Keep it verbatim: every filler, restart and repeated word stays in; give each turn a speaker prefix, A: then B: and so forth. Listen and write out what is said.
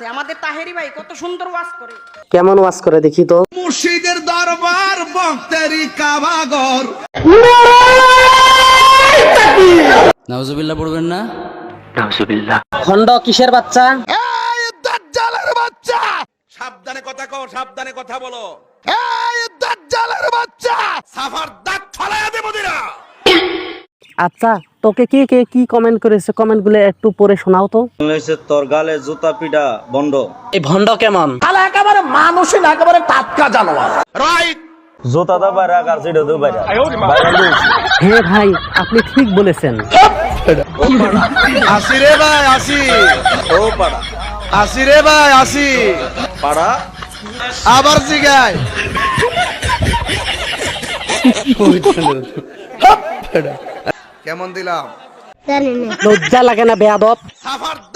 A: আছে। আমাদের তাহেরি ভাই কত সুন্দর ওয়াজ করে।
B: কেমন ওয়াজ করে দেখি তো।
C: মুর্শিদের দরবার বক্তেরি কাবাগর।
D: নাউজুবিল্লাহ পড়বেন না?
B: নাউজুবিল্লাহ। খন্ড কিসের বাচ্চা?
C: এই দাজ্জালের বাচ্চা, সাবধানে কথা কও, সাবধানে কথা বলো। এই দাজ্জালের বাচ্চা, সাফার দাঁত ফালায়া দেব দিরা।
B: আচ্ছা, তোকে কে কে কি কমেন্ট করেছে, কমেন্ট গুলো একটু পড়ে শোনাও তো।
E: বাংলাদেশের তোর গালে জুতা পিটা বন্ধ।
B: এই ভন্ড কেমন?
C: আলা একেবারে মানুষই না, একেবারে টাটকা জানোয়ার। রাইট।
E: জুতা দা বাইরে আর সিটা দু বাইরে।
B: হ্যাঁ ভাই, আপনি ঠিক বলেছেন।
C: আসি রে ভাই আসি।
E: ও পাড়া
C: আসি রে ভাই আসি।
E: পাড়া
C: আবার জিগায়। কেমন দিলাম?
B: লজ্জা লাগে না বেয়াদব?
C: সাফার